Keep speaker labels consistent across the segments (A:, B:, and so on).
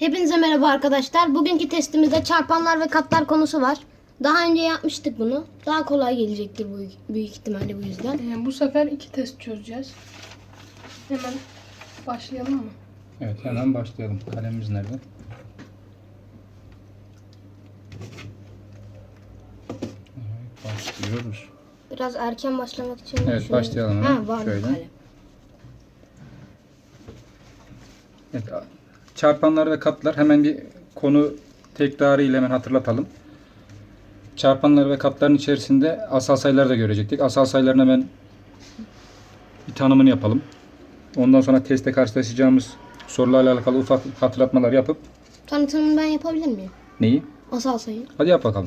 A: Hepinize merhaba arkadaşlar. Bugünkü testimizde çarpanlar ve katlar konusu var. Daha önce yapmıştık bunu. Daha kolay gelecektir büyük ihtimalle bu yüzden.
B: Bu sefer 2 test çözeceğiz. Hemen başlayalım mı?
C: Evet, hemen başlayalım. Kalemimiz nerede? Evet, başlıyoruz.
A: Biraz erken başlamak için.
C: Evet,
A: şöyle-
C: başlayalım hemen.
A: Ha, var
C: Şöyle.
A: kalem.
C: Evet, çarpanlar ve katlar, hemen bir konu tekrarı ile hemen hatırlatalım. Çarpanlar ve katların içerisinde asal sayıları da görecektik. Asal sayıların hemen bir tanımını yapalım. Ondan sonra testte karşılaşacağımız sorularla alakalı ufak hatırlatmalar yapıp
A: Tanıtımını ben yapabilir miyim?
C: neyi?
A: Asal sayı.
C: Hadi yap bakalım.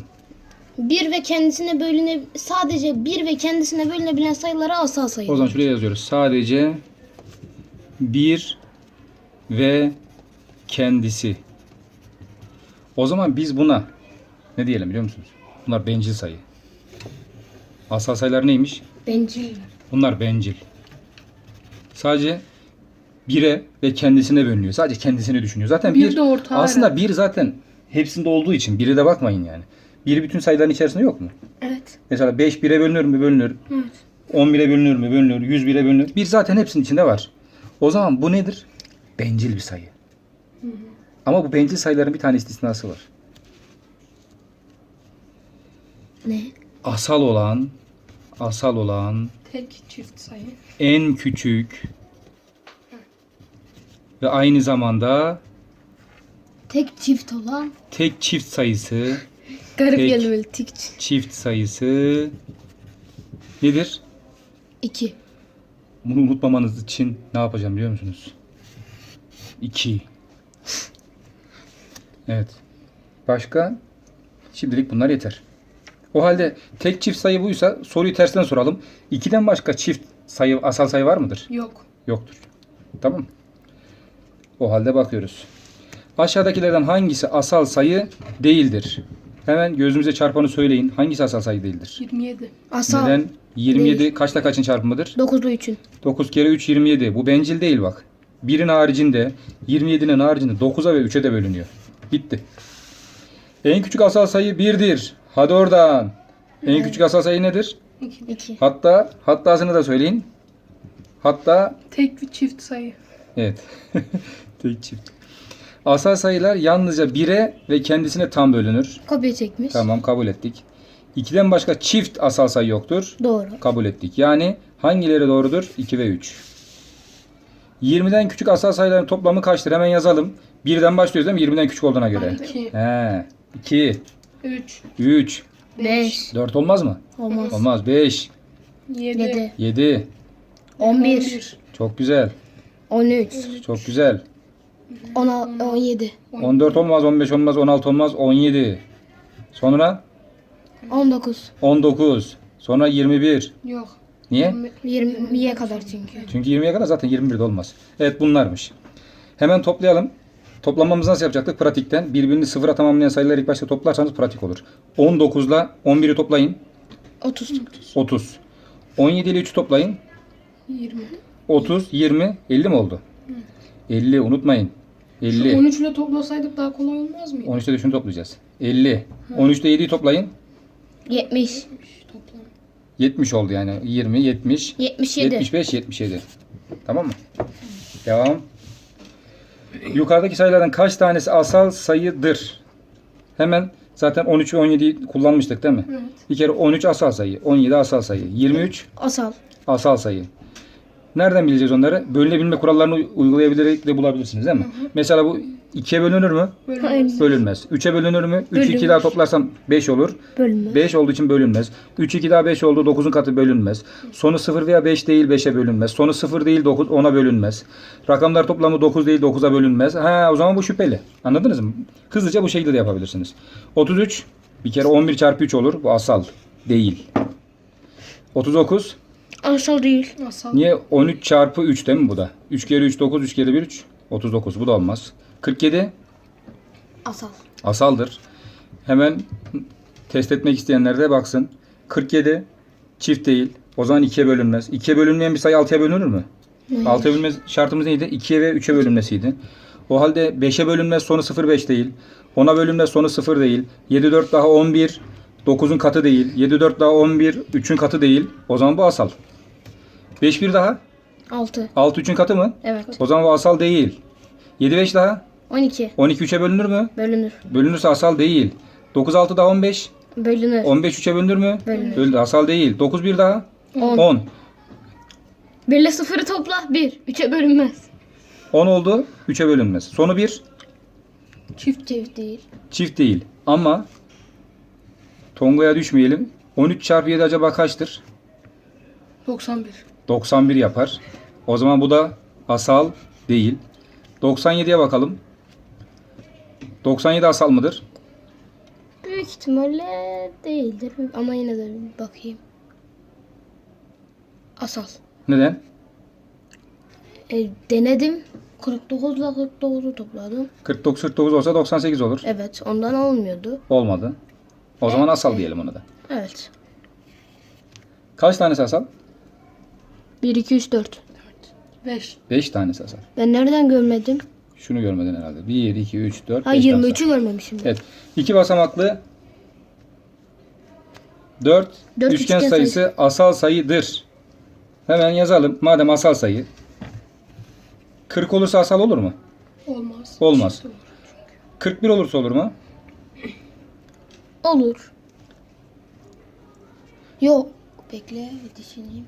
A: Sadece bir ve kendisine bölünebilen sayılara asal sayı.
C: O zaman şuraya yazıyoruz. Sadece bir ve kendisi. O zaman biz buna ne diyelim biliyor musunuz? Bunlar bencil sayı. Asal sayılar neymiş?
A: Bencil.
C: Bunlar bencil. Sadece bire ve kendisine bölünüyor. Sadece kendisini düşünüyor. Zaten
B: Bir
C: bir
B: de ortağı
C: aslında bir zaten hepsinde olduğu için bire de bakmayın yani. Bir bütün sayıların içerisinde yok mu?
A: Evet.
C: Mesela 5 bire bölünür mü? Bölünür.
A: Evet.
C: 10 bire bölünür mü? Bölünür. 100 bire bölünür. Bir zaten hepsinin içinde var. O zaman bu nedir? Bencil bir sayı. Ama bu bencil sayıların bir tane istisnası var.
A: Ne?
C: Asal olan
B: Tek çift sayı.
C: en küçük ve aynı zamanda
A: Tek çift olan.
C: tek çift sayısı
A: Garip
C: Tek.
A: geldi böyle tek.
C: çift sayısı nedir?
A: 2.
C: Bunu unutmamanız için ne yapacağım biliyor musunuz? 2. Evet. Başka? Şimdilik bunlar yeter. O halde tek çift sayı buysa soruyu tersten soralım. 2'den başka çift sayı, asal sayı var mıdır?
B: Yok.
C: Yoktur. Tamam mı? O halde bakıyoruz. Aşağıdakilerden hangisi asal sayı değildir? Hemen gözümüze çarpanı söyleyin. Hangisi asal sayı değildir?
B: 27.
A: Asal.
C: Neden? 27
A: Değil.
C: kaçta kaçın çarpımıdır?
A: 9'lu 3'ün.
C: 9 kere 3 27. Bu bencil değil bak. 1'in haricinde 27'nin haricinde 9'a ve 3'e de bölünüyor. Bitti. En küçük asal sayı 1'dir. Hadi oradan. En küçük asal sayı nedir?
B: 2.
A: 2.
C: Hattasını da söyleyin. Hatta
B: Tek bir çift sayı.
C: evet. Tek çift. Asal sayılar yalnızca 1'e ve kendisine tam bölünür.
A: Kopya çekmiş.
C: Tamam, kabul ettik. 2'den başka çift asal sayı yoktur.
A: Doğru.
C: Kabul ettik. Yani hangileri doğrudur? 2 ve 3. 20'den küçük asal sayıların toplamı kaçtır? Hemen yazalım. 1'den başlıyoruz değil mi? 20'den küçük olduğuna göre.
B: 2.
C: 2,
B: 3.
C: 3,
A: 5.
C: 4 olmaz mı?
A: Olmaz.
C: Olmaz. 5,
B: 7.
A: 7.
C: 7.
A: 11.
C: Çok güzel.
A: 13.
C: Çok güzel.
A: 17.
C: 14 olmaz, 15 olmaz, 16 olmaz, 17. Sonra
A: 19.
C: 19. Sonra 21.
B: Yok.
C: Niye?
A: 20'ye kadar çünkü.
C: Çünkü 20'ye kadar zaten 21 de olmaz. Evet, bunlarmış. Hemen toplayalım. Toplamamızı nasıl yapacaktık? Pratikten. Birbirini sıfıra tamamlayan sayıları ilk başta toplarsanız pratik olur. 19 ile 11'i toplayın.
A: 30.
C: 30. 17 ile 3'ü toplayın.
B: 20.
C: 30, 20, 50 mi oldu? 50 unutmayın. 50.
B: 13 ile toplasaydık daha kolay olmaz mıydı?
C: 13'te de şunu toplayacağız. 50. 13'te 7'yi toplayın.
A: 70.
B: Toplam.
C: 70 oldu yani. 20, 70,
A: 77.
C: 75, 77. Tamam mı? Devam. Yukarıdaki sayılardan kaç tanesi asal sayıdır? Hemen zaten 13 ve 17'yi kullanmıştık değil mi?
B: Evet.
C: Bir kere 13 asal sayı, 17 asal sayı, 23
A: Asal.
C: asal sayı. Nereden bileceğiz onları? Bölünebilme kurallarını uygulayabilerek de bulabilirsiniz değil mi? Mesela bu 2'ye bölünür mü?
B: Bölünmez.
C: Bölünmez. 3'e bölünür mü? 3 2
A: Bölünür.
C: daha toplarsam 5 olur.
A: Bölünmez.
C: 5 olduğu için bölünmez. 3 2 daha 5 oldu. 9'un katı bölünmez. Sonu 0 veya 5 değil 5'e bölünmez. Sonu 0 değil 9 10'a bölünmez. Rakamlar toplamı 9 değil 9'a bölünmez. O zaman bu şüpheli. Anladınız mı? Hızlıca bu şekilde de yapabilirsiniz. 33 bir kere 11 çarpı 3 olur. Bu asal değil. 39
A: Asal değil.
B: Asal.
C: niye? 13 çarpı 3 değil mi bu da? 3 kere 3 9, 3 kere 1 3. 39 bu da olmaz. 47
A: Asal.
C: asaldır. Hemen test etmek isteyenler de baksın. 47 çift değil. O zaman 2'ye bölünmez. 2'ye bölünmeyen bir sayı 6'ya bölünür mü?
A: Hayır.
C: 6'ya bölünme şartımız neydi? 2'ye ve 3'e bölünmesiydi. O halde 5'e bölünmez sonu 0,5 değil. 10'a bölünmez sonu 0 değil. 7 4 daha 11 9'un katı değil. 7 4 daha 11 3'ün katı değil. O zaman bu asal. 5 1 daha
A: 6.
C: 6 3'ün katı mı?
A: Evet.
C: O zaman bu asal değil. 7 5 daha
A: 12.
C: 12 3'e bölünür mü?
A: Bölünür.
C: Bölünürse asal değil. 9 6 daha 15
A: Bölünür.
C: 15 3'e bölünür mü?
A: Bölünür.
C: Bölünür. Asal değil. 9 1 daha
A: 10.
C: 10.
A: 1 ile 0'ı topla. 1. 3'e bölünmez.
C: 10 oldu. 3'e bölünmez. Sonu 1.
A: Çift değil.
C: Çift değil. Ama Tonga'ya düşmeyelim. 13 çarpı 7 acaba kaçtır?
B: 91.
C: 91 yapar. O zaman bu da asal değil. 97'ye bakalım. 97 asal mıdır?
A: Büyük ihtimalle değildir. Ama yine de bir bakayım. Asal.
C: Neden?
A: Denedim. 49 ile 49'u topladım.
C: 49 49 olsa 98 olur.
A: Evet. Ondan olmuyordu.
C: Olmadı. O zaman asal diyelim ona da.
A: Evet.
C: Kaç tanesi asal?
A: 1, 2, 3, 4.
B: 5.
C: 5 tanesi asal.
A: Ben nereden görmedim?
C: Şunu görmeden herhalde. 1, 2, 3, 4,
A: Ha
C: 5 tane asal.
A: 23'ü görmemişim. Ben.
C: Evet. 2 basamaklı 4
A: Dört
C: üçgen
A: üçgen
C: sayısı asal sayıdır. Hemen yazalım. Madem asal sayı. 40 olursa asal olur mu?
B: Olmaz.
C: Olmaz.
B: Çift olur.
C: 41 olursa olur mu?
A: Olur. Yok. Bekle bir düşüneyim.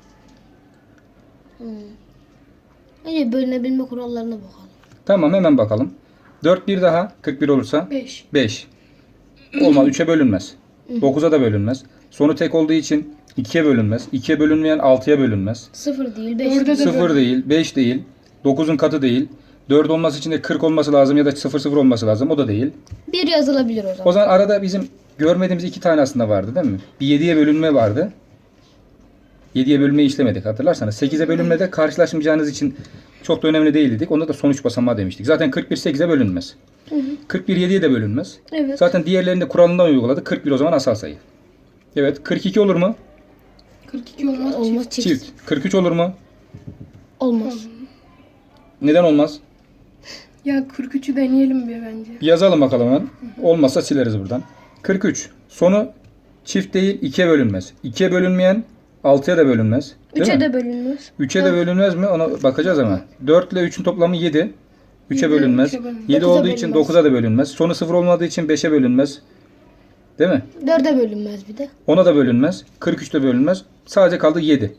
A: Önce bölünebilme kurallarına bakalım.
C: Tamam hemen bakalım. 4 bir daha 41 olursa
B: 5.
C: 5. Olmaz 3'e bölünmez. 9'a da bölünmez. Sonu tek olduğu için 2'ye bölünmez. 2'ye bölünmeyen 6'ya bölünmez.
A: 0 değil 5
B: Dörde
A: değil.
B: de
C: 0 değil, 5 değil, 9'un katı değil. 4 olması için de 40 olması lazım ya da 00 olması lazım. O da değil.
A: 1 yazılabilir o
C: O
A: zaman.
C: zaman arada bizim görmediğimiz 2 tane aslında vardı değil mi? Bir 7'ye bölünme vardı. 7'ye bölünmeyi işlemedik hatırlarsanız. 8'e bölünmede karşılaşmayacağınız için çok da önemli değil dedik. Onda da sonuç basamağı demiştik. Zaten 41 8'e bölünmez. 41 7'ye de bölünmez.
A: Evet.
C: Zaten diğerlerinde kuralından uyguladık. 41 o zaman asal sayı. Evet. 42 olur mu?
B: 42 olmaz.
A: Olmaz çift.
C: Çift. 43 olur mu?
A: Olmaz.
C: Neden olmaz?
B: Ya 43'ü deneyelim bir bence.
C: Bir yazalım bakalım hemen. Olmazsa sileriz buradan. 43. Sonu çift değil 2'ye bölünmez. 2'ye bölünmeyen 6'ya da bölünmez. Değil
A: 3'e
C: mi?
A: de bölünmez.
C: 3'e de bölünmez mi? Ona bakacağız ama. 4 ile 3'ün toplamı 7. 3'e
B: Yedi,
C: bölünmez.
B: üçe bölünmez.
C: 7
A: Dokuza
C: olduğu için
A: bölünmez.
C: 9'a da bölünmez. Sonu 0 olmadığı için 5'e bölünmez. Değil mi?
A: 4'e bölünmez bir de.
C: 10'a da bölünmez. 43'te bölünmez. Sadece kaldı 7.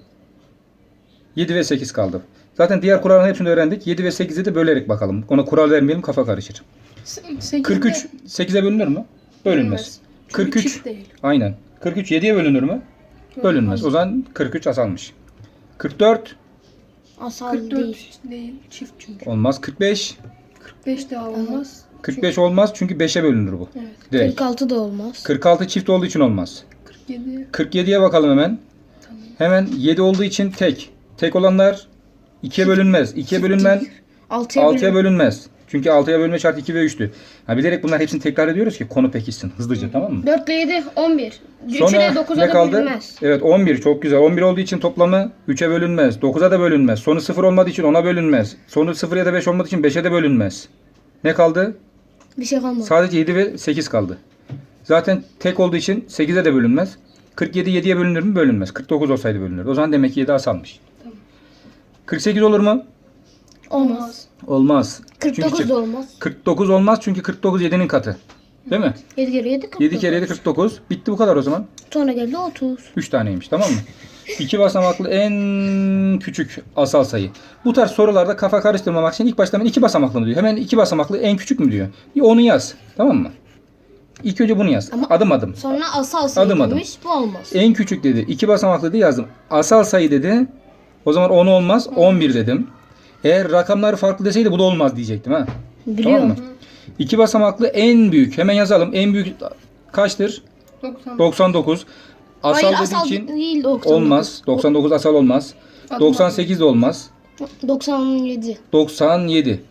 C: 7 ve 8 kaldı. Zaten diğer kuralların hepsini öğrendik. 7 ve 8'i de bölerek bakalım. Ona kural vermeyelim kafa karışır.
B: 8'de
C: 43 8'e bölünür mü? Bölünmez.
B: Çünkü
C: 43
B: çift değil.
C: aynen. 43 7'ye bölünür mü? Bölünmez. O zaman 43 asalmış. 44
A: Asal
B: 44
A: değil.
B: değil. Çift çünkü.
C: olmaz. 45
B: 45 daha olmaz.
C: 45 olmaz çünkü 5'e bölünür bu.
B: Evet.
C: Direkt.
A: 46 da olmaz.
C: 46 çift olduğu için olmaz.
B: 47.
C: 47'ye bakalım hemen.
B: Tamam.
C: Hemen 7 olduğu için tek. Tek olanlar 2'ye bölünmez. 2'ye bölünmen
A: 6'ya
C: 6'ya bölünmez. Çünkü 6'ya bölünme şartı 2 ve 3'tü. Ha, bilerek bunlar hepsini tekrar ediyoruz ki konu pekişsin hızlıca, tamam mı?
A: 4 ile 7 11. 3
C: Sonra
A: ile 9'a
C: ne
A: da
C: kaldı?
A: bölünmez.
C: Evet 11 çok güzel. 11 olduğu için toplamı 3'e bölünmez. 9'a da bölünmez. Sonu 0 olmadığı için 10'a bölünmez. Sonu 0 ya da 5 olmadığı için 5'e de bölünmez. Ne kaldı?
A: Bir şey kalmadı.
C: Sadece 7 ve 8 kaldı. Zaten tek olduğu için 8'e de bölünmez. 47 7'ye bölünür mü? Bölünmez. 49 olsaydı bölünürdü. O zaman demek ki 7 asalmış.
B: Tamam.
C: 48 olur mu?
A: Olmaz.
C: Olmaz.
A: 49
C: Çünkü
A: da olmaz.
C: 49 olmaz çünkü 49 7'nin katı. Değil mi?
A: 7 kere 7 49.
C: 7 kere 7 49. Bitti bu kadar o zaman.
A: Sonra geldi 30.
C: 3 taneymiş, tamam mı? 2 basamaklı en küçük asal sayı. Bu tarz sorularda kafa karıştırmamak için ilk başta hemen 2 basamaklı mı diyor. Hemen 2 basamaklı en küçük mü diyor. Onu yaz. Tamam mı? İlk önce bunu yaz.
A: Ama-
C: Adım adım.
A: Sonra asal sayı
C: Adım adım.
A: demiş. Bu olmaz.
C: En küçük dedi. 2 basamaklı diye yazdım. Asal sayı dedi. O zaman 10 olmaz. 11 dedim. Eğer rakamları farklı deseydi bu da olmaz diyecektim ha.
A: Biliyorum.
C: Tamam mı? 2 basamaklı en büyük. Hemen yazalım. En büyük kaçtır?
B: 90.
C: 99. Asal
A: Hayır
C: dediği
A: asal
C: için
A: değil 99.
C: olmaz. 99 asal olmaz.
B: Adım
C: 98 de olmaz.
A: 97.
C: 97.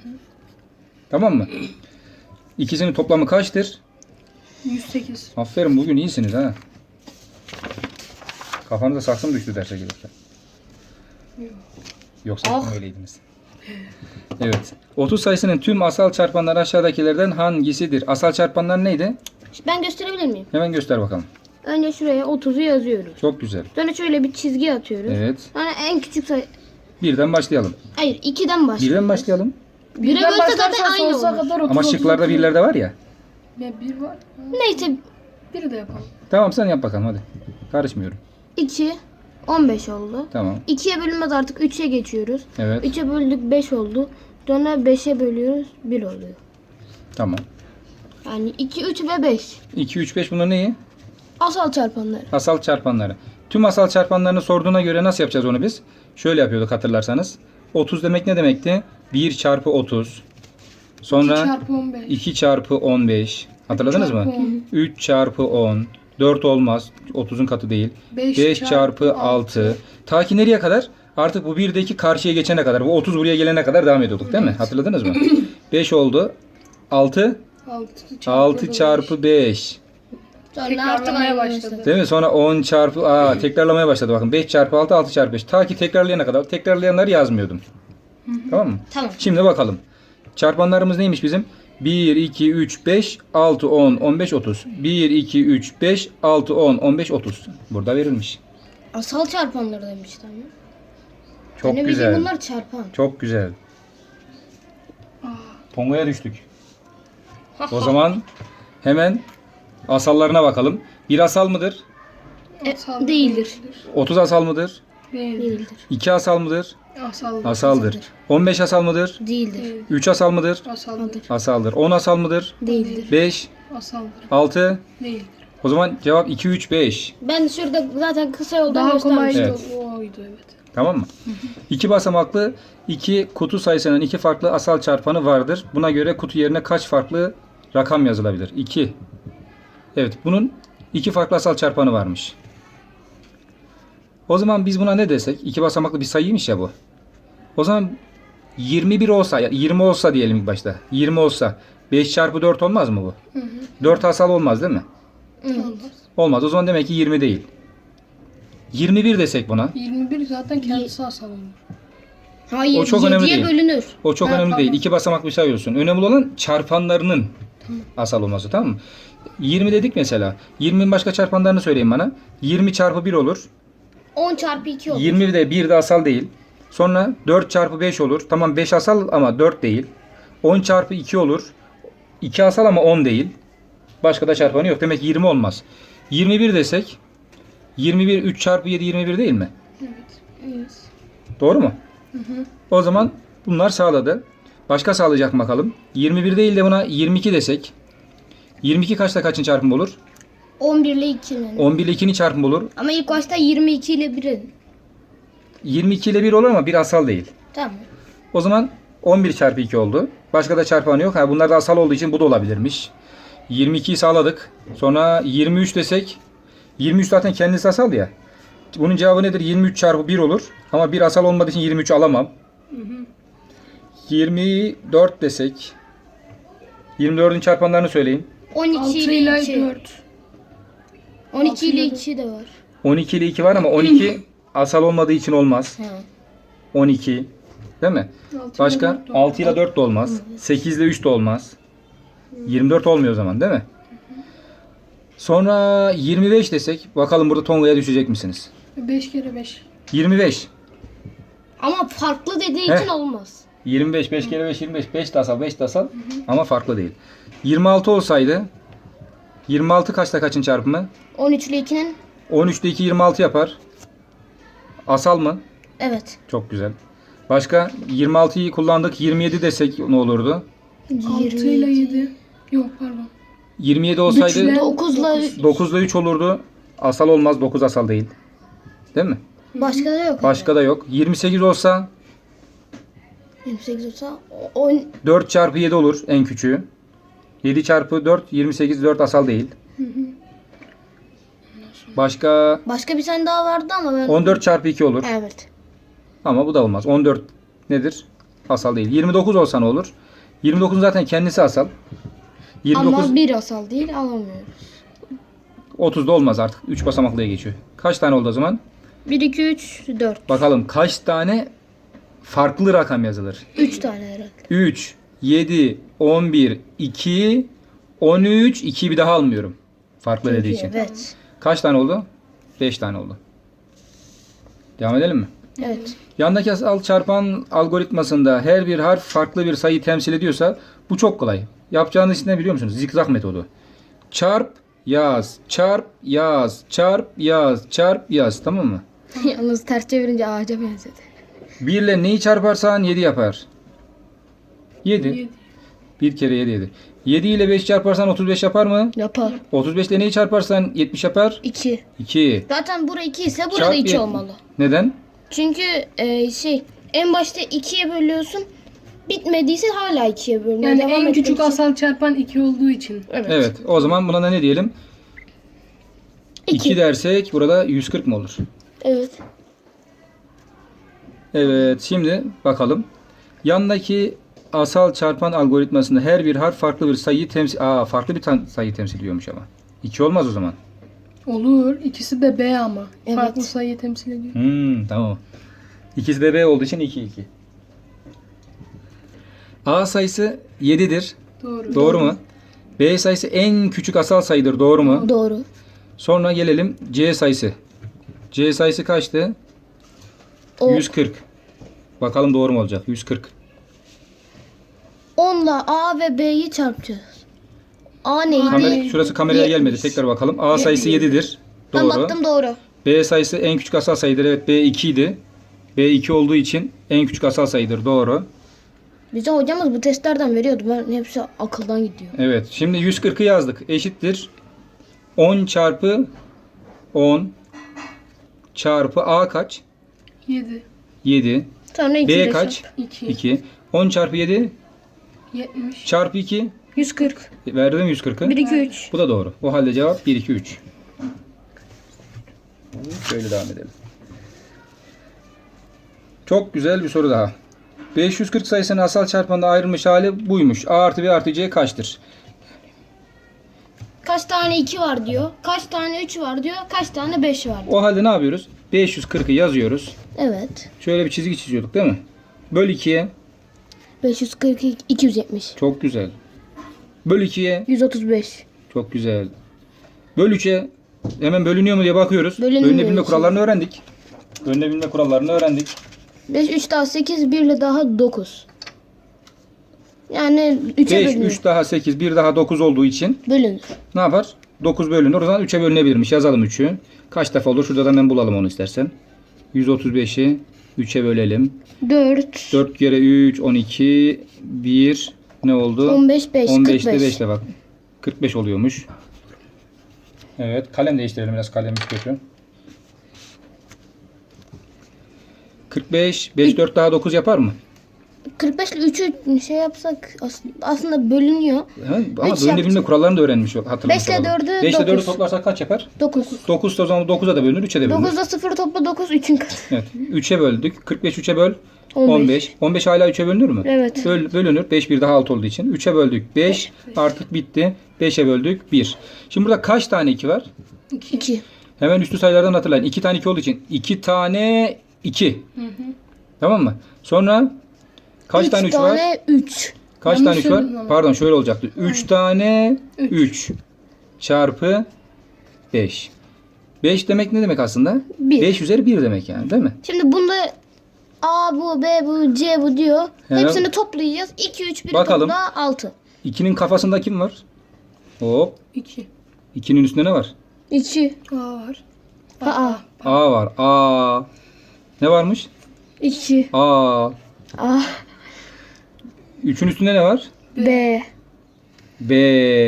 C: Tamam mı? İkisinin toplamı kaçtır?
B: 108.
C: Aferin, bugün iyisiniz ha. Kafanıza saksı mı düştü derse gelirken?
B: Yok.
C: Yoksa
A: Ah.
C: öyleydiniz. Evet. 30 sayısının tüm asal çarpanları aşağıdakilerden hangisidir? Asal çarpanlar neydi?
A: Ben gösterebilir miyim?
C: Hemen göster bakalım.
A: Önce şuraya 30'u yazıyoruz.
C: Çok güzel.
A: Sonra şöyle bir çizgi atıyoruz.
C: Evet.
A: Sonra en küçük sayı...
C: Birden başlayalım.
A: Hayır 2'den başlıyoruz.
C: Birden başlayalım.
A: Bire bölse zaten aynı
B: sonsuza
A: olur.
B: kadar 30,
C: Ama
B: 30,
C: şıklarda
B: 30.
C: birler de var ya.
B: Ya bir var.
A: Neyse
B: Biri de yapalım.
C: Tamam sen yap bakalım hadi. Karışmıyorum.
A: 2 15 oldu.
C: Tamam.
A: 2'ye bölünmez artık 3'e geçiyoruz.
C: Evet.
A: 3'e böldük 5 oldu. Sonra 5'e bölüyoruz 1 oluyor.
C: Tamam.
A: Yani 2, 3 ve 5.
C: 2, 3, 5 bunlar neyi?
A: Asal çarpanları.
C: Asal çarpanları. Tüm asal çarpanlarını sorduğuna göre nasıl yapacağız onu biz? Şöyle yapıyorduk hatırlarsanız. 30 demek ne demekti? 1 çarpı 30.
B: 2
C: Sonra
B: çarpı 15.
C: 2 çarpı 15. Hatırladınız mı?
B: çarpı 10.
C: 3 çarpı 10. 4 olmaz. 30'un katı değil. 5
B: 5
C: çarpı 6. Ta ki nereye kadar? Artık bu 1'deki karşıya geçene kadar. Bu 30 buraya gelene kadar devam ediyorduk değil mi? Hatırladınız mı? 5 oldu. 6. 6 çarpı 5.
B: Tekrarlamaya başladı.
C: Değil mi? Sonra 10 çarpı... tekrarlamaya başladı bakın. 5 çarpı 6, 6 çarpı 5. Ta ki tekrarlayana kadar. Tekrarlayanları yazmıyordum. Tamam mı?
A: Tamam.
C: Şimdi bakalım. Çarpanlarımız neymiş bizim? 1, 2, 3, 5, 6, 10, 15, 30. 1, 2, 3, 5, 6, 10, 15, 30. Burada verilmiş.
A: Asal çarpanları demiştim.
C: Çok güzel.
A: Bunlar çarpan.
C: Çok güzel. Tonga'ya düştük. O zaman hemen asallarına bakalım. 1 asal mıdır?
B: Asal
A: Değildir.
C: 30 asal mıdır?
B: Değil.
A: Değildir.
C: 2 asal mıdır?
B: Asal.
C: Asaldır. 15 asal mıdır?
A: Değildir.
C: 3 asal mıdır?
B: Asaldır.
C: Asaldır. 10 asal mıdır?
A: Değildir.
C: 5,
B: Asaldır.
C: 6.
B: Değildir.
C: O zaman cevap 2, 3, 5.
A: Ben şurada zaten kısa yoldan
B: Daha kolay
A: göstermiştim.
C: Evet.
B: oydu evet.
C: Tamam mı? 2 basamaklı 2 kutu sayısının 2 farklı asal çarpanı vardır. Buna göre kutu yerine kaç farklı rakam yazılabilir? 2. Evet, bunun 2 farklı asal çarpanı varmış. O zaman biz buna ne desek? 2 basamaklı bir sayıymış ya bu. O zaman 21 olsa, 20 olsa diyelim ilk başta. 20 olsa 5 çarpı 4 olmaz mı bu? 4 asal olmaz değil mi?
B: Olmaz.
C: Olmaz. O zaman demek ki 20 değil. 21 desek buna.
B: 21 zaten kendisi asal olur.
A: Hayır,
C: O çok önemli
A: 7'ye
C: değil.
A: bölünür.
C: O çok
B: Ha,
C: önemli
B: tamam.
C: değil. 2 basamaklı bir sayı olsun. Önemli olan çarpanlarının asal olması, tamam mı? 20 dedik mesela. 20'nin başka çarpanlarını söyleyin bana. 20 çarpı 1 olur.
A: 10 çarpı 2 olur.
C: 20 de 1 de asal değil. Sonra 4 çarpı 5 olur. Tamam 5 asal ama 4 değil. 10 çarpı 2 olur. 2 asal ama 10 değil. Başka da çarpanı yok. Demek ki 20 olmaz. 21 desek 21 3 çarpı 7 21 değil mi?
B: Evet.
C: Doğru mu? O zaman bunlar sağladı. Başka sağlayacak mı bakalım? 21 değil de buna 22 desek. 22 kaçta kaçın çarpımı olur?
A: 11 ile 2'nin.
C: 11 ile 2'nin çarpımı olur.
A: Ama ilk başta 22 ile 1'in.
C: 22 ile 1 olur ama bir asal değil.
A: Tamam.
C: O zaman 11 çarpı 2 oldu. Başka da çarpanı yok. Bunlar da asal olduğu için bu da olabilirmiş. 22'yi sağladık. Sonra 23 desek. 23 zaten kendisi asal ya. Bunun cevabı nedir? 23 çarpı 1 olur. Ama bir asal olmadığı için 23 alamam. 24 desek. 24'ün çarpanlarını söyleyin.
A: 12
B: 6
A: ile
B: ile
A: 2.
B: 4.
A: 12 ile
B: ile
A: 2 de var.
C: 12 ile 2 var ama 12 asal olmadığı için olmaz.
A: He.
C: 12. Değil mi?
B: 6
C: Başka? 6 ile 4 de olmaz. 8 ile 3 de olmaz. 24 olmuyor o zaman değil mi? Sonra 25 desek. Bakalım burada Tonga'ya düşecek misiniz?
B: 5 kere 5.
C: 25.
A: Ama farklı dediği
C: Heh.
A: için olmaz.
C: 25. 5 kere 5 25. 5 de asal 5 de asal. Ama farklı değil. 26 olsaydı 26 kaçta kaçın çarpımı?
A: 13 ile 2'nin.
C: 13 ile 2 26 yapar. Asal mı?
A: Evet.
C: Çok güzel. Başka 26'yı kullandık. 27 desek ne olurdu?
B: 6 ile 7. Yok pardon.
C: 27 olsaydı
B: Güçlen-
A: 9 ile
C: 9 ile 3 olurdu. Asal olmaz. 9 asal değil. Değil mi?
A: başka da yok.
C: Başka da yok. 28 olsa
A: 28 olsa 10
C: 4 çarpı 7 olur en küçüğü. 7 çarpı 4 28 4 asal değil. Başka
A: başka bir tane daha vardı ama ben
C: 14 çarpı 2 olur.
A: Evet.
C: Ama bu da olmaz. 14 nedir? Asal değil. 29 olsa ne olur? 29 zaten kendisi asal. 29
A: Ama bir asal değil alamıyoruz.
C: 30 da olmaz artık. 3 basamaklıya geçiyor. Kaç tane oldu o zaman?
A: 1 2 3 4.
C: Bakalım kaç tane farklı rakam yazılır.
A: 3 tane herhalde.
C: 3, 7, 11, 2, 13, 2'yi bir daha almıyorum. Farklı dediği için.
A: Evet.
C: Kaç tane oldu? 5 tane oldu. Devam edelim mi?
A: Evet.
C: Yandaki asal çarpan algoritmasında her bir harf farklı bir sayı temsil ediyorsa bu çok kolay. Yapacağınız iş ne biliyor musunuz? Zikzak metodu. Çarp, yaz, çarp, yaz, çarp, yaz, çarp, yaz. Tamam mı?
A: Yalnız ters çevirince ağaca benzedi.
C: 1 ile neyi çarparsan 7 yapar. 7.
B: 7.
C: 1 kere 7 7. 7 ile 5 çarparsan 35 yapar mı?
A: Yapar.
C: 35 ile neyi çarparsan 70 yapar?
A: 2.
C: 2.
A: Zaten bura 2 ise burada
C: Çarp
A: 2
C: bir-
A: olmalı.
C: Neden?
A: Çünkü en başta 2'ye bölüyorsun. Bitmediyse hala 2'ye bölünüyor.
B: Yani
A: Devam
B: en
A: etmek
B: küçük
A: için.
B: asal çarpan 2 olduğu için.
A: Evet.
C: Evet. O zaman buna da ne diyelim? 2
A: 2.
C: dersek burada 140 mı olur?
A: Evet.
C: Evet. Şimdi bakalım. Yandaki asal çarpan algoritmasında her bir harf farklı bir sayıyı temsil... farklı bir sayıyı temsil ediyormuş ama. 2 olmaz o zaman.
B: Olur. İkisi de B ama.
A: Evet.
B: Farklı sayıyı temsil ediyor.
C: Tamam. İkisi de B olduğu için 2 2. A sayısı 7'dir.
B: Doğru.
C: Doğru mu? B sayısı en küçük asal sayıdır. Doğru mu?
A: Doğru.
C: Sonra gelelim C sayısı. C sayısı kaçtı?
A: O
C: 140. Bakalım doğru mu olacak? 140.
A: 10'la A ve B'yi çarpacağız. A neydi?
C: Şurası kameraya gelmedi.
A: 70.
C: Tekrar bakalım. A sayısı 7'dir.
A: Ben
C: Doğru.
A: baktım doğru.
C: B sayısı en küçük asal sayıdır. Evet, B 2 idi. B 2 olduğu için en küçük asal sayıdır. Doğru.
A: Bize hocamız bu testlerden veriyordu. Ben hepsi akıldan gidiyor.
C: Evet. Şimdi 140'ı yazdık. Eşittir. 10 çarpı 10 çarpı A kaç?
B: 7.
C: 7.
A: Sonra 2
C: B kaç?
B: 2.
C: 2. 10 çarpı 7
B: 70.
C: çarpı 2.
A: 140.
C: Verdim 140'ı.
A: 1 2 3.
C: Bu da doğru. O halde cevap 1 2 3. Şöyle devam edelim. Çok güzel bir soru daha. 540 sayısının asal çarpanında ayrılmış hali buymuş. A artı B artı C kaçtır?
A: Kaç tane 2 var diyor. Kaç tane 3 var diyor. Kaç tane 5 var diyor.
C: O halde ne yapıyoruz? 540'ı yazıyoruz.
A: Evet.
C: Şöyle bir çizgi çiziyorduk değil mi? Böl 2'ye.
A: 542 270.
C: Çok güzel. Böl 2'ye.
A: 135.
C: Çok güzel. Böl 3'e. Hemen bölünüyor mu diye bakıyoruz.
A: Bölünmüyor
C: Bölünebilme
A: hiç.
C: kurallarını öğrendik. Bölünebilme kurallarını öğrendik.
A: 5 3 daha 8 1 ile daha 9. Yani 3'e
C: 5,
A: bölünür.
C: 3 daha 8, 1 daha 9 olduğu için
A: Bölünür.
C: ne yapar? 9 bölünür. O zaman 3'e bölünebilirmiş. Yazalım 3'ü. Kaç defa olur? Şuradan hemen bulalım onu istersen. 135'i 3'e bölelim.
A: 4
C: 4 kere 3, 12, 1 ne oldu?
A: 15 5
C: 15'te
A: 45.
C: 5 ile bak. 45 oluyormuş. Evet. Kalem değiştirelim. Biraz kalemimiz kötü. 45, 5, 4 daha 9 yapar mı?
A: 45 ile 3'ü şey yapsak aslında bölünüyor.
C: Ha, ama
A: Üç
C: bölünebilme
A: yapacak.
C: kurallarını da öğrenmiş hatırlamış
A: 5 ile
C: olalım.
A: 4'ü
C: 5 ile 4'ü
A: 9.
C: toplarsak kaç yapar?
A: 9.
C: 9 o zaman 9'a da bölünür, 3'e de bölünür.
A: 9'da 0 topla 9 3'ün katı.
C: Evet. 3'e böldük. 45 3'e böl.
A: 15.
C: 15. 15 hala 3'e bölünür mü?
A: Evet.
C: Bölünür. 5 bir daha 6 olduğu için. 3'e böldük. 5 artık bitti. 5'e böldük. 1. Şimdi burada kaç tane 2 var?
A: 2.
C: Hemen üstü sayılardan hatırlayın. 2 tane 2 olduğu için 2 tane 2. Tamam mı? Sonra kaç tane 3 var?
A: tane 3.
C: Kaç
B: Yanlış
C: tane 3 var?
B: söyledim ama.
C: Pardon şöyle olacaktı. 3 tane 3 çarpı 5. 5 demek ne demek aslında?
A: Bir.
C: 5 üzeri 1 demek yani değil mi?
A: Şimdi bunda A bu, B bu, C bu diyor.
C: He.
A: Hepsini toplayacağız. 2 3 1
C: Bakalım.
A: topla 6.
C: 2'nin kafasında kim var? Hop.
B: 2.
C: 2'nin üstünde ne var?
A: 2.
B: A var.
A: A.
C: A var. A. Ne varmış?
A: 2.
C: A.
A: A.
C: 3'ün üstünde ne var?
A: B.
C: B.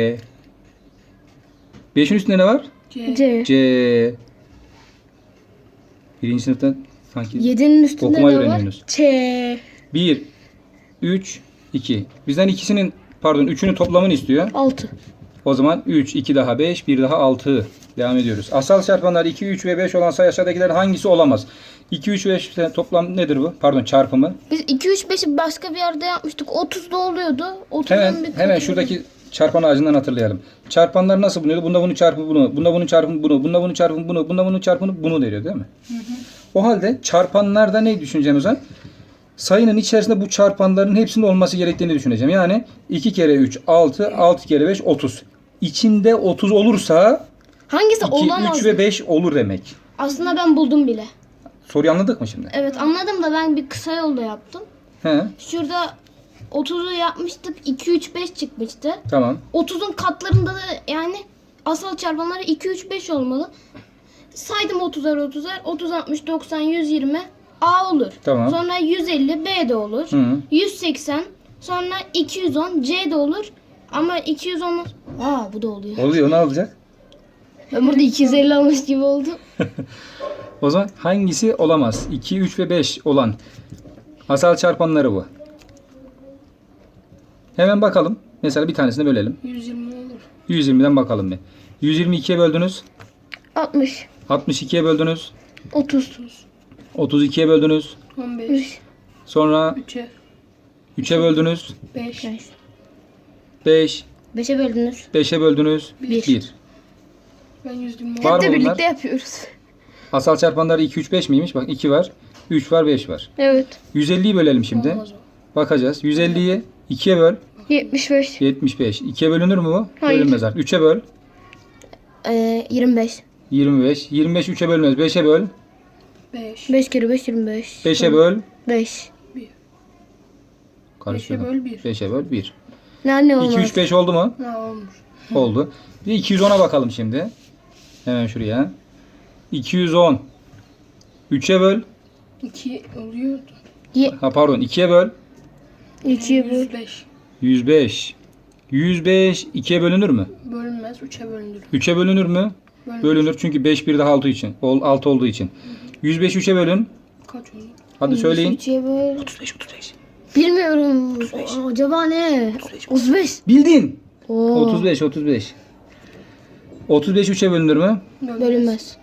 C: 5'in üstünde ne var?
B: C.
A: C.
C: C. Birinci sınıfta sanki
A: 7'nin üstünde
C: okumayı
A: ne var?
C: öğreniyorsunuz.
A: Ç.
C: 1, 3, 2. Bizden ikisinin pardon 3'ünün toplamını istiyor.
A: 6.
C: O zaman 3, 2 daha 5, 1 daha 6. Devam ediyoruz. Asal çarpanlar 2, 3 ve 5 olan sayı aşağıdakilerin hangisi olamaz? 2, 3 ve 5 toplam nedir bu? Pardon çarpımı.
A: Biz 2 3 5'i başka bir yerde yapmıştık. 30'da oluyordu. 30'dan
C: Hemen şuradaki çarpan ağacından hatırlayalım. Çarpanlar nasıl bulunuyordu? Bunda bunun çarpımı bunu, bunda bunun çarpımı bunu, bunda bunun çarpımı bunu, bunda bunun çarpımı bunu veriyor değil mi? O halde çarpanlarda ne düşüneceğimiz var? sayının içerisinde bu çarpanların hepsinin olması gerektiğini düşüneceğim. Yani 2 kere 3 6, 6 kere 5 30. İçinde 30 olursa
A: Hangisi
C: 2,
A: olamaz?
C: 3 ve 5 olur demek.
A: Aslında ben buldum bile.
C: Soruyu anladık mı şimdi?
A: Evet anladım da ben bir kısa yolda yaptım.
C: He,
A: Şurada 30'u yapmıştık. 2, 3, 5 çıkmıştı.
C: tamam.
A: 30'un katlarında da yani asal çarpanları 2, 3, 5 olmalı. Saydım 30'ar. 30, 60, 90, 120 A olur.
C: Tamam.
A: Sonra 150 B de olur.
C: Hı.
A: 180 sonra 210 C de olur. Ama 210 bu da oluyor.
C: Oluyor, ne olacak?
A: Ben burada 250 almış gibi oldum.
C: O zaman hangisi olamaz? 2, 3 ve 5 olan asal çarpanları bu. Hemen bakalım. Mesela bir tanesini bölelim.
B: 120 olur.
C: 120'den bakalım bir. 122'ye böldünüz.
A: 60
C: 62'ye böldünüz.
A: 30
C: 32'ye böldünüz.
B: 15.
C: Sonra
B: 3'e.
C: 3'e böldünüz.
B: 5.
C: 5.
A: 5'e böldünüz.
C: 5'e böldünüz.
A: Bir.
C: 1.
B: Ben 120
C: Var
B: olur.
C: mı bunlar?
A: yapıyoruz.
C: Asal çarpanları 2, 3, 5 miymiş? Bak 2 var. 3 var, 5 var.
A: Evet.
C: 150'yi bölelim şimdi.
B: Olmaz o.
C: Bakacağız. 150'yi 2'ye böl.
A: 75
C: 75. 2'ye bölünür mü bu?
A: Hayır.
C: Bölünmez artık. 3'e böl.
A: 25
C: 25. 25 3'e bölmez. 5'e böl.
B: 5.
A: 5 kere 5 25
C: 5'e böl.
A: 5
C: Karıştırdım.
B: 5'e böl 1.
C: 5'e böl 1.
A: Ne
C: 2,
A: olmaz?
C: 3, 5 oldu mu?
B: Ha olmuş.
C: Oldu. Bir 210'a bakalım şimdi. Hemen şuraya. 210. 3'e böl.
B: 2 oluyordu.
C: Ha pardon 2'ye böl.
A: 2'ye böl
B: 105.
C: 105. 105 2'ye bölünür mü?
B: Bölünmez. 3'e bölünür.
C: 3'e bölünür mü?
B: Bölünür.
C: Bölünür çünkü 5 bir daha 6 için. 6 olduğu için. 105 3'e bölün.
B: Kaç olur?
C: Hadi söyleyin.
A: 3'ye böl
C: 35 35.
A: Bilmiyorum. Acaba ne? 35.
C: Bildin.
A: Oo.
C: 35 35. 35 3'e bölünür mü?
A: Bölünmez.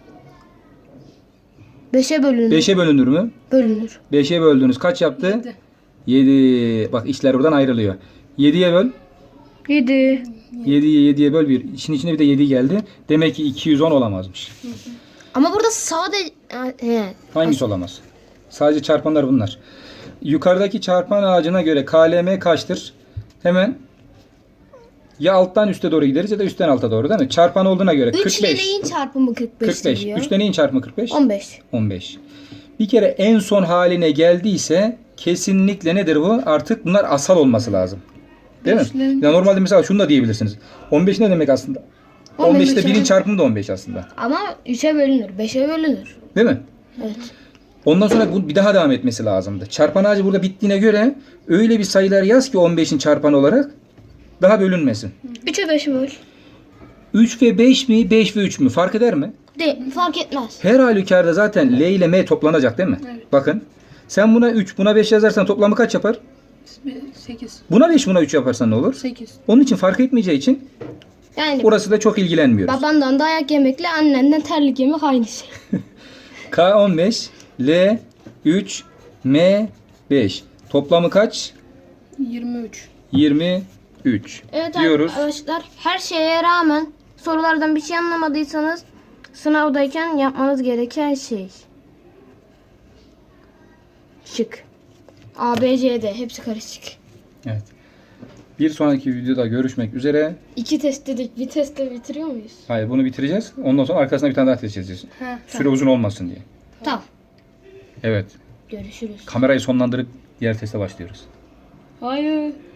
A: 5'e bölünür.
C: 5'e bölünür mü?
A: Bölünür.
C: 5'e böldünüz. Kaç yaptı? 7. Bak işler buradan ayrılıyor. 7'ye böl.
A: 7.
C: 7'ye böl 1. İşin içine bir de 7 geldi. Demek ki 210 olamazmış.
A: Ama burada sadece
C: Hangisi olamaz? Sadece çarpanlar bunlar. Yukarıdaki çarpan ağacına göre KLM kaçtır? Hemen ya alttan üste doğru gideriz ya da üstten alta doğru değil mi? Çarpan olduğuna göre
A: 3 ile
C: 45.
A: neyin çarpımı 45
C: 45.
A: diyor?
C: 3 ile neyin çarpımı 45?
A: 15.
C: 15. Bir kere en son haline geldiyse kesinlikle nedir bu? Artık bunlar asal olması lazım. Değil mi?
B: Beşlerin-
C: Ya normalde mesela şunu da diyebilirsiniz. 15 ne demek aslında?
A: 15
C: 15'te 1'in
A: yani.
C: çarpımı da 15 aslında.
A: Ama 3'e bölünür. 5'e bölünür.
C: Değil mi?
A: Evet.
C: Ondan sonra bu bir daha devam etmesi lazımdı. Çarpan ağacı burada bittiğine göre öyle bir sayılar yaz ki 15'in çarpanı olarak daha bölünmesin.
A: 3'e 5'e böl.
C: 3 ve 5 mi? 5 ve 3 mü? Fark eder mi?
A: Fark etmez.
C: Her halükarda zaten L ile M toplanacak değil mi?
B: Evet.
C: Bakın. Sen buna 3, buna 5 yazarsan toplamı kaç yapar?
B: 8.
C: Buna 5, buna 3 yaparsan ne olur?
B: 8.
C: Onun için fark etmeyeceği için
A: Yani
C: orası da çok ilgilenmiyoruz.
A: babandan dayak yemekle annenden terlik yemek aynı şey.
C: K 15, L 3, M 5. Toplamı kaç?
B: 23.
C: 23
A: Evet
C: diyoruz.
A: arkadaşlar her şeye rağmen sorulardan bir şey anlamadıysanız sınavdayken yapmanız gereken şey. Şık. A, B, C, D hepsi karışık.
C: Evet. Bir sonraki videoda görüşmek üzere.
A: 2 test dedik. Bir testte bitiriyor muyuz?
C: Hayır, bunu bitireceğiz. Ondan sonra arkasına bir tane daha test edeceğiz.
B: Ha.
C: Süre uzun olmasın diye.
A: Tamam.
C: Evet.
A: Görüşürüz.
C: Kamerayı sonlandırıp diğer teste başlıyoruz.
A: Hayır.